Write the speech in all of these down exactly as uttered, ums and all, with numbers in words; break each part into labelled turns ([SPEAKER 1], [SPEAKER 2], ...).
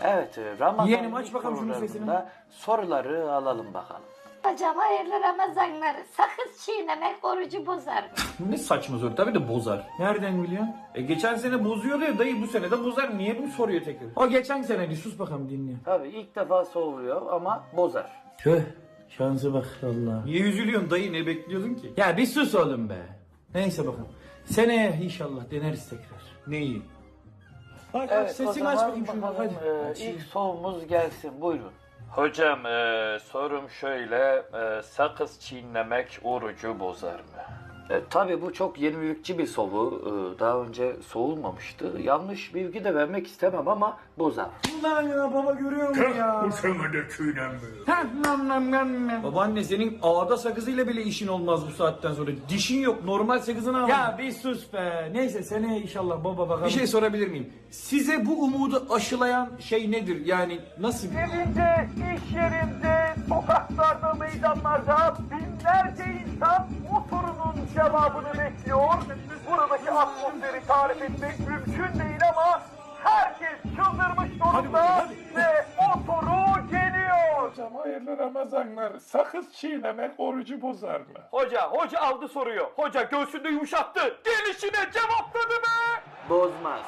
[SPEAKER 1] Evet, e, Ramazan
[SPEAKER 2] Yeğenim, aç
[SPEAKER 1] ilk
[SPEAKER 2] bakalım şunun
[SPEAKER 1] sorularında soruları alalım bakalım.
[SPEAKER 3] Hocam hayırlı Ramazanlar. Sakız çiğnemek orucu bozar mı?
[SPEAKER 2] Ne saçma soru, tabii de bozar. Nereden biliyorsun? E geçen sene bozuyordu ya dayı, bu sene de bozar. Niye bunu soruyor tekrar? O geçen sene, bir sus bakalım, dinle.
[SPEAKER 1] Tabii ilk defa soğuyor ama bozar.
[SPEAKER 2] Tüh, şansı bak Allah. Niye üzülüyorsun dayı, ne bekliyordun ki? Ya bir sus oğlum be. Neyse bakalım. Seneye inşallah deneriz tekrar. Neyi? Aç, aç,
[SPEAKER 1] o
[SPEAKER 2] sesini
[SPEAKER 1] zaman
[SPEAKER 2] aç bakayım şunu,
[SPEAKER 1] bakalım,
[SPEAKER 2] hadi.
[SPEAKER 1] e,
[SPEAKER 2] Aç.
[SPEAKER 1] ilk sorumuz gelsin, buyurun. Hocam e, sorum şöyle, e, sakız çiğnemek orucu bozar mı? E, tabii bu çok yenilikçi bir soru. E, daha önce soğulmamıştı. Yanlış bilgi de vermek istemem ama bozar.
[SPEAKER 2] Lan ya baba, görüyor musun ya?
[SPEAKER 4] Uçamadı çiğnenmiyor.
[SPEAKER 2] Heh, nam nam nam nam. Babaanne, senin ağda sakızıyla bile işin olmaz bu saatten sonra. Dişin yok, normal sakızını al. Ya bir sus be. Neyse, seneye inşallah baba bakalım. Bir şey sorabilir miyim? Size bu umudu aşılayan şey nedir? Yani nasıl bir...
[SPEAKER 5] Evinde, iş yerinde, sokaklarda, meydanlarda binlerce insan o sorunun cevabını bekliyor. Buradaki atmosferi tarif etmek mümkün değil ama herkes çıldırmış durumda ve o soru geliyor.
[SPEAKER 4] Hocam hayırlı Ramazanlar. Sakız çiğnemek orucu bozar mı?
[SPEAKER 5] Hoca, hoca aldı soruyor. Hoca göğsünde yumuşattı. Gelişine cevapladı be.
[SPEAKER 1] Bozmaz.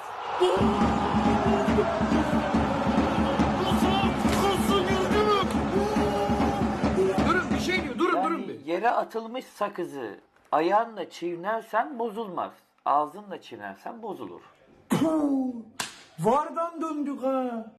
[SPEAKER 2] Durun, bir şey diyor. Durun durun
[SPEAKER 1] Yani
[SPEAKER 2] bir.
[SPEAKER 1] yere atılmış sakızı ayağınla çiğnersen bozulmaz. Ağzınla çiğnersen bozulur.
[SPEAKER 2] Vardan döndük ha.